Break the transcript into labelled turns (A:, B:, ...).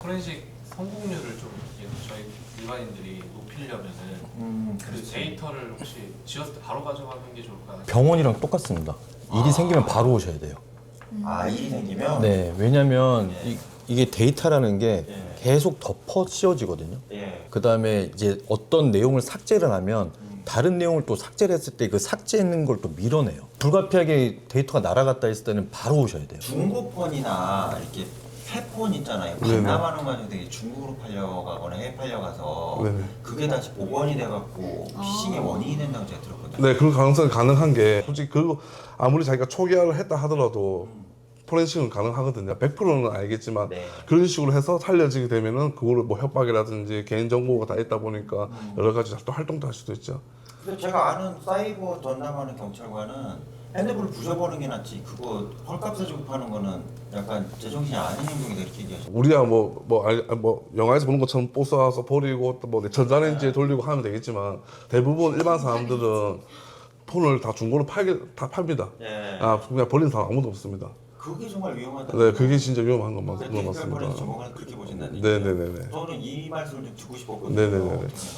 A: 포렌식 성공률을 좀 저희 일반인들이 높이려면은 그 데이터를 혹시 지었을 때 바로 가져가는 게 좋을까요?
B: 병원이랑 똑같습니다. 일이 생기면 바로 오셔야 돼요.
C: 아, 일이 생기면?
B: 네, 왜냐면 이게 데이터라는 게 계속 덮어 씌워지거든요.
C: 예.
B: 그 다음에 이제 어떤 내용을 삭제를 하면 다른 내용을 또 삭제를 했을 때 그 삭제했는 걸 또 밀어내요. 불가피하게 데이터가 날아갔다 했을 때는 바로 오셔야 돼요.
C: 중고폰이나 이렇게 새폰 있잖아요. 반납하는 과정에 되게 중국으로 팔려가거나 해외 팔려가서
D: 네네.
C: 그게 다시 복원이 돼갖고 피싱의 원인이 된다고 제가 들었거든요.
D: 네, 그런 가능성이 가능한 게 솔직히 그 아무리 자기가 초기화를 했다 하더라도 포렌식은 가능하거든요. 100%는 알겠지만
C: 네.
D: 그런 식으로 해서 살려지게 되면은 그거를 뭐 협박이라든지 개인 정보가 다 있다 보니까 여러 가지 또 활동도 할 수도 있죠.
C: 그래서 제가 아는 사이버 전담하는 경찰관은 핸드폰을 부셔버리는 게 낫지 그거 헐값 주고 파는 거는 약간 제정신이 아닌 행동이다 이렇게 얘기하죠.
D: 우리야 뭐 영화에서 보는 것처럼 뽀싸서 버리고 또뭐 전자레인지에 돌리고 하면 되겠지만 대부분 일반 사람들은 폰을 다 중고로 다 팝니다.
C: 예.
D: 아 그냥 버리는 사람 아무도 없습니다.
C: 그게 정말 위험하다.
D: 네, 그게 진짜 위험한 건
C: 디지털
D: 맞습니다.
C: 포렌식 전문가는 그렇게 보신다는 얘기죠.
D: 네네네네.
C: 저는 이 말씀을 좀 듣고 싶었거든요.
D: 네네네네.